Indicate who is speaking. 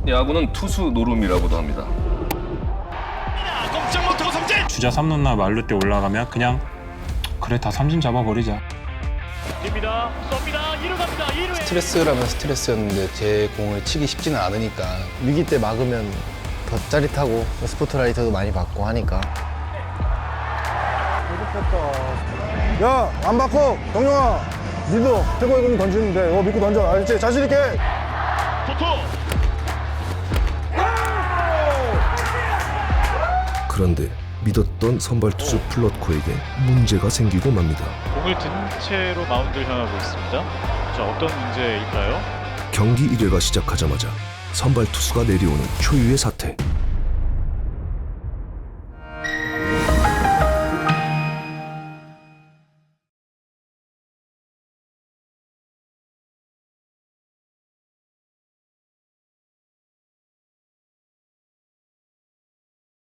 Speaker 1: 야구는 투수 노름이라고도 합니다.
Speaker 2: 꼼짝 못하고 삼진.
Speaker 3: 주자 3루나 말루 때 올라가면 그냥 그래 다 삼진 잡아버리자.
Speaker 2: 입니다. 쏩니다. 2루 갑니다. 2루에.
Speaker 4: 스트레스라면 스트레스였는데 제 공을 치기 쉽지는 않으니까 위기 때 막으면 더 짜릿하고 스포트라이트도 많이 받고 하니까.
Speaker 5: 야, 안 받고 정영아, 니도 최고의 공 던지면 돼. 이거 믿고 던져. 알지? 자신 있게.
Speaker 2: 투투.
Speaker 6: 그런데 믿었던 선발 투수 플롯코에게 문제가 생기고 맙니다.
Speaker 7: 공을 든 채로 마운드를 향하고 있습니다. 자, 어떤 문제일까요?
Speaker 6: 경기 1회가 시작하자마자 선발 투수가 내려오는 초유의 사태.